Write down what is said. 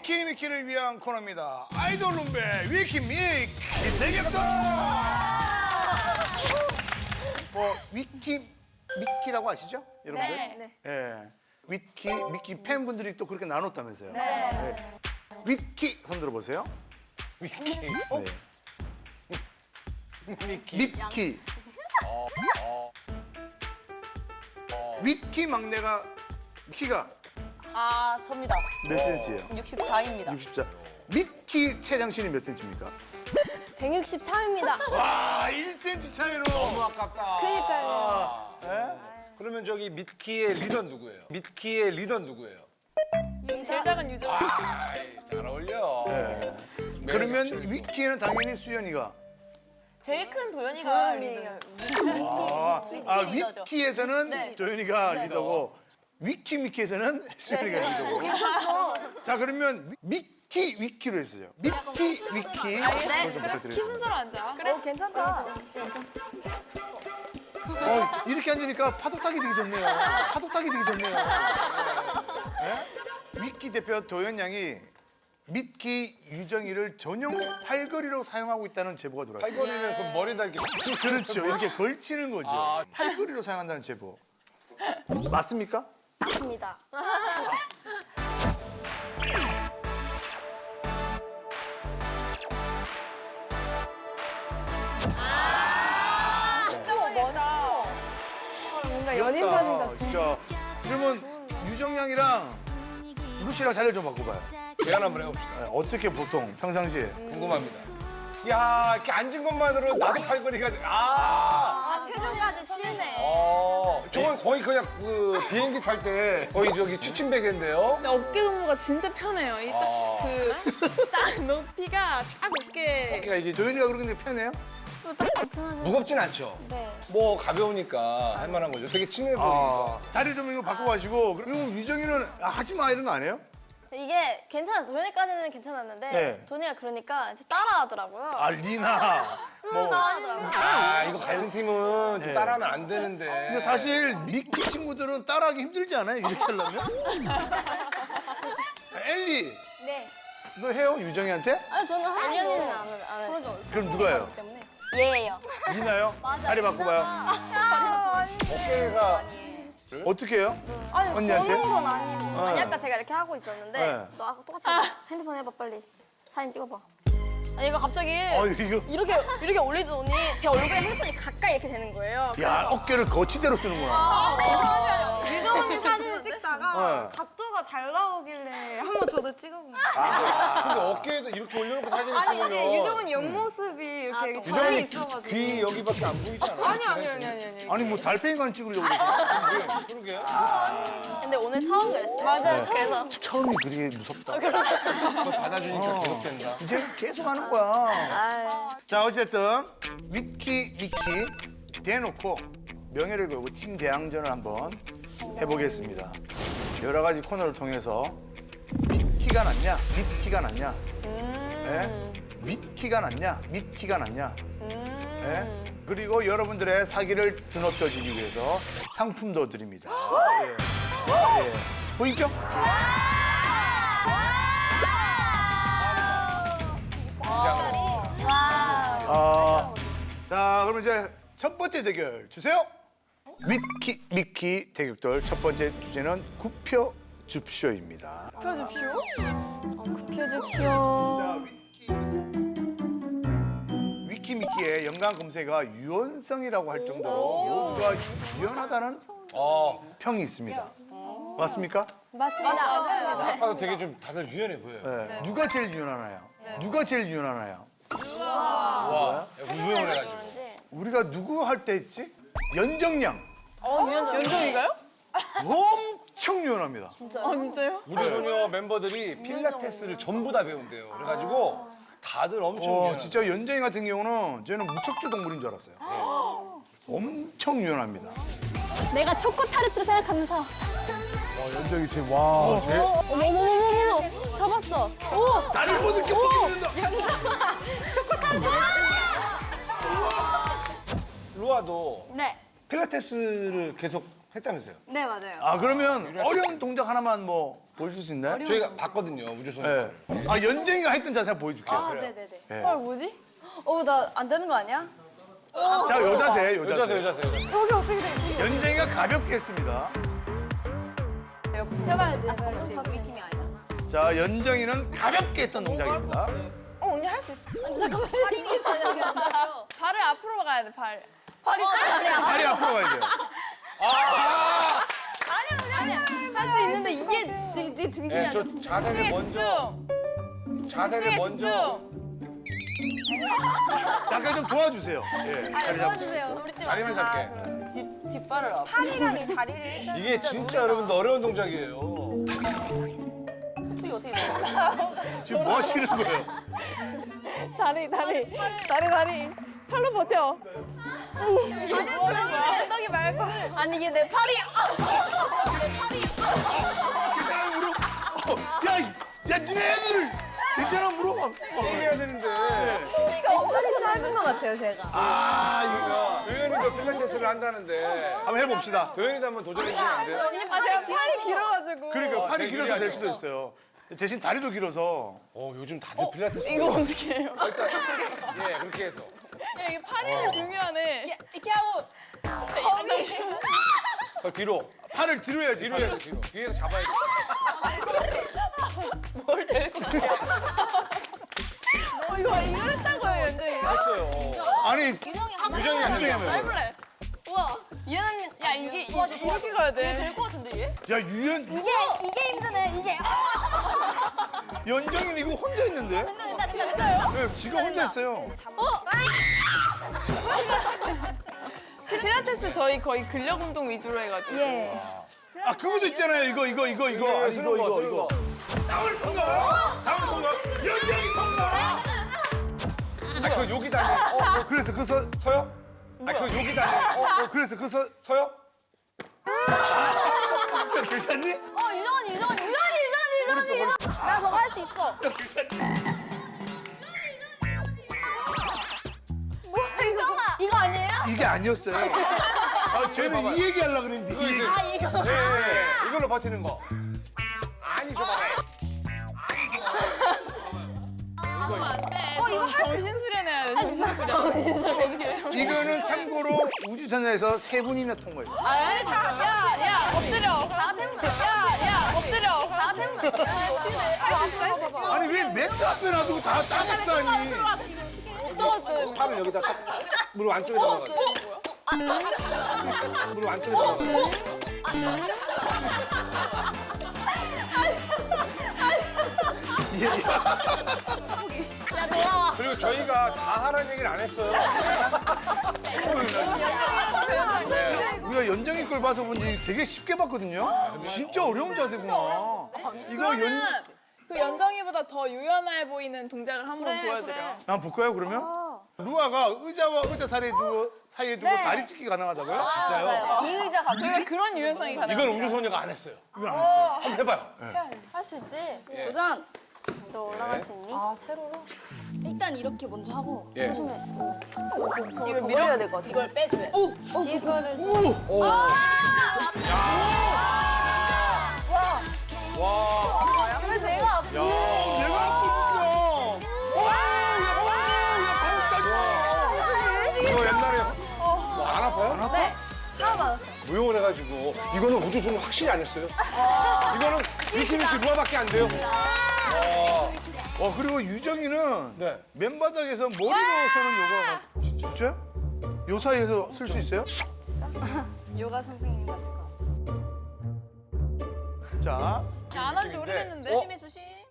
위키미키를 위한 코너입니다. 아이돌 룸베 위키미키 대격돌. 뭐 위키미키라고 아시죠, 여러분들? 네. 예. 위키미키 팬분들이 또 그렇게 나눴다면서요. 네. 위키 손 들어보세요. 위키. 네. 미키. 미키. 위키 막내가 키가 아, 접니다. 몇 센치예요? 64입니다. 64. 미키 최장신이 몇 센치입니까? 163입니다. 와, 1cm 차이로. 너무 아깝다. 그니까요. 예? 그러면 저기 미키의 리더 누구예요? 미키의 리더 누구예요? 제일 작은 유저. 아이, 잘 어울려. 예. 그러면 위키에는 당연히 수연이가. 제일 큰 도연이가 도연이에요. 리더죠. 위키에서는 네. 도현이가 리더고 위키미키에서는 수연이가 리더고. 자, 그러면 위키로 했어요. 위키. 좀 부탁드려요. 키 순서로 앉아. 그래. 괜찮다. 이렇게 앉으니까 파도 타기 되게 좋네요. 파도 타기 되게 좋네요. 예? 위키 대표 도현 양이 미키 유정이를 전용 팔걸이로 사용하고 있다는 제보가 들어왔어요. 팔걸이는 그 머리다 이렇게 그렇죠. 이렇게 걸치는 거죠. 아. 팔걸이로 사용한다는 제보. 맞습니까? 맞습니다. 뭔가 연인 사진 같아. 진짜. 그러면 유정 양이랑 루시랑 자리 좀 바꿔봐요. 제안 한번 해봅시다. 네, 어떻게 보통 평상시에? 궁금합니다. 야, 이렇게 앉은 것만으로 나도 팔걸이가 돼. 아, 체중까지 심네. 저건 거의 그냥 그 비행기 탈 때 거의 저기 추침베개인데요. 근데 어깨 동무가 진짜 편해요. 이 아. 딱 높이가 딱 어깨. 어깨가 이게 도현이가 그런 게 편해요? 딱 편하죠. 무겁진 않죠. 네. 뭐 가벼우니까 할 만한 거죠. 되게 친해 아, 보이니까. 자리 좀 이거 바꿔가시고. 그리고 유정이는 하지 마 이런 거 안 해요? 이게 괜찮았어. 도현이까지는 괜찮았는데 네. 도현이가 그러니까 이제 따라하더라고요. 아, 리나. 뭐. 따라하더라고요. 아, 이거 같은 팀은 네. 좀 따라하면 안 되는데. 근데 사실 미키 친구들은 따라하기 힘들지 않아요? 이렇게 하려면? 엘리, 네. 너 해요? 유정이한테? 아니 저는 하연이는 안 해요. 그러죠. 그럼 누가요? 때문에. 얘예요. 리나요? 자리 바꿔봐요. 어깨가 어떻게 해요? 아니 언니한테? 그런 건 아니고. 네. 아니 아까 제가 이렇게 하고 있었는데 네. 너 아까 똑같이 핸드폰 해봐 빨리. 사진 찍어봐. 아니 이거 갑자기 이거. 이렇게 올리더니 제 얼굴에 핸드폰이 가까이 이렇게 되는 거예요. 야, 어깨를 거치대로 쓰는구나. 유정 언니 사진을 찍다가 네. 각도가 잘 나오길래 한번 저도 찍어본 거예요. 근데 어깨에다 이렇게 올려놓고 사진을 아니 찍으면 이게 유정 언니 옆모습이 이렇게 절이 유정이 있어가지고. 귀 여기밖에 안 보이잖아. 아니. 아니, 뭐 달팽이관 찍으려고 그러지. 그러게. 근데 오늘 처음 그랬어요. 맞아요. 그래서 처음이 그게 무섭다. 그걸 받아주니까 계속 된다. 이제 계속 하는 거야. 자, 어쨌든 미키 대놓고 명예를 걸고 팀 대항전을 한번 해보겠습니다. 여러 가지 코너를 통해서 미키가 낫냐, 미티가 낫냐, 예? 위키가 낫냐, 미티가 낫냐, 예? 그리고 여러분들의 사기를 드높여주기 위해서 상품도 드립니다. 예. 보이죠? 자, 그럼 이제 첫 번째 대결 주세요. 위키 미키 대격돌 첫 번째 주제는 구표 줍쇼입니다. 굽혀줍시오. 자, 위키미키의 연관 검색어가 유연성이라고 할 정도로 모두가 유연하다는 평이 있습니다. 맞습니까? 맞습니다. 아까도 되게 좀 다들 유연해 보여요. 네. 누가 제일 유연하나요? 누가 제일 유연하나요? 와, 유연을 해가지고. 우리가 누구 할 때 했지? 연정량. 연정이가요? 엄청 유연합니다. 진짜요? 우리 소녀 멤버들이 필라테스를 전부 다 배운대요. 그래가지고 다들 엄청 유연해. 진짜 연정이 같은 경우는 저는 무척주 동물인 줄 알았어요. 엄청 유연합니다. 내가 초코 타르트를 생각하면서 연정이 지금 와. 어머머머머머 잡았어. 오 나를 못 느껴 보게 된다. 루아도 네. 필라테스를 계속 했다면서요? 네 맞아요. 아, 그러면 어려운 동작 하나만 뭐 보여줄 수 있나요? 저희가 봤거든요, 우주소녀. 네. 아, 연정이가 했던 자세 한번 보여줄게요. 아, 그래요. 네네네. 네. 헐 뭐지? 나 안 되는 거 아니야? 자, 요 자세, 요 여자세, 자세. 여자세, 여자세. 저기 어떻게 돼? 연정이가 가볍게 했습니다. 해봐야지. 잠깐만 쟤 우리 팀이 아니잖아. 자, 연정이는 가볍게 했던 동작입니다. 언니 할 수 있어. 아니, 잠깐만. 팔이 이게 저녁이 안 나요. 발을 앞으로 가야 돼 발. 팔이 다리야. 다리 앞으로 가야 돼요. 아니야. 할 수 있는데 이게 지금 중심이 네, 안 저 돼. 자세를 집중해 먼저, 집중. 자세를 집중해 먼저. 집중. 약간 좀 도와주세요. 예, 자리 잡으세요. 도와주세요. 다리만 잡게. 뒷발을 앞. 팔이랑 이 다리를 일단 이게 진짜 여러분들 어려운 동작이에요. 축이 어떻게 돼? 지금 뭐 하시는 거예요? 다리. 팔로 버텨. 엉덩이 말고. 아니 이게 내 팔이. 내 팔이. 야, 물어. 야, 니네 애들을 괜찮아 물어봐. 게임해야 되는데. 팔이 짧은 것 같아요 제가. 아, 도현이도 필라테스를 한다는데. 한번 해봅시다. 도현이도 한번 도전해주시면 안 돼요? 아 제가 팔이 길어가지고. 그러니까 팔이 되게 길어서 될 유리하죠. 수도 있어요. 대신 다리도 길어서. 요즘 다들 필라테스. 이거 어떻게 해요? 예, 그렇게 해서. 야 이게 팔이 중요하네. 이렇게 하고. 더 뒤로. 팔을 뒤로 해야지. 뒤로 해야 돼, 뒤로. 뒤에서 잡아야 돼. 이거 했다고요 연정이가. 했어요. 아니, 유정이 하고 유정이 싶어. 유정이 하면. 해볼래. 우와. 유연이. 야 이게 도와줘, 이렇게 가야 돼. 될것 같은데 얘? 야, 유연, 이게 힘드네 이게. 연정이는 이거 혼자 했는데? 된다 진짜요? 네, 지가 혼자 했어요. 필라테스 저희 거의 근력 운동 위주로 해가지고. 예. 아, 그것도 있잖아요. 이거. 아니, 쓰는 거, 쓰는 거. 다음을 통과. 연정이 통과. 아, 그 여기다. 해. 그래서 그서 서요? 아, 그 여기다. 해. 그래서 그서 서요? 괜찮니? 유정언니. 나 저거 할 수 있어. 뭐야 유정아. 이거 아니에요? 이게 아니었어요. 아, 쟤는 이 얘기 하려고 그랬는데 이 얘기. 예, 예. 이걸로 버티는 거. 아니, 저 봐봐. 안 돼. 이거 할수 정신 수련해야 돼. 이거는 참고로 우주선에서 3분이나 통과했어요. 아니 다. 야 엎드려. 다 세우면. 야 엎드려. 다 세우면. 할수 있어. 아니, 왜 매트 앞에 놔두고 다 따먹다니. 팔을 여기다 딱 무릎 안쪽에 넣어가. 무릎 안쪽에 넣어가. 야 돌아와. 그리고 저희가 다 하라는 얘기를 안 했어요. 우리가 연정이 걸 봐서 본지 되게 쉽게 봤거든요. 진짜 어려운 자세구나. 이거 그 연정이보다 더 유연해 보이는 동작을 한번 보여드려. 한번 볼까요, 그러면? 루아가 의자와 의자 사이에 두고 다리 찢기 가능하다고요? 진짜요? 이 의자 가지고. 저희가 그런 유연성이 가능. 이건 우주소녀가 안 했어요. 이건 안 했어요. 한번 해봐요. 할 수 있지. 예. 도전. 너 올라갈 수 있니? 아 세로로? 일단 이렇게 먼저 하고 예. 조심해. 이거 밀어야 될 것 같아. 이걸 빼줘야 돼. 이거를. 오. 와. 근데 제가 얘가 아프니까. 이거 옛날에 안 아파요? 안 아파? 네. 처음 알았어요. 무용을 해가지고 이거는 우주소녀 확실히 안 했어요. 이거는 미키미키 루아밖에 안 돼요. 그리고 유정이는 네. 맨바닥에서 머리로 서는 요가가 진짜? 요 사이에서 쓸 수 있어요? 요가 선생님 같은 거. 자, 안 한 지 오래됐는데. 어? 조심.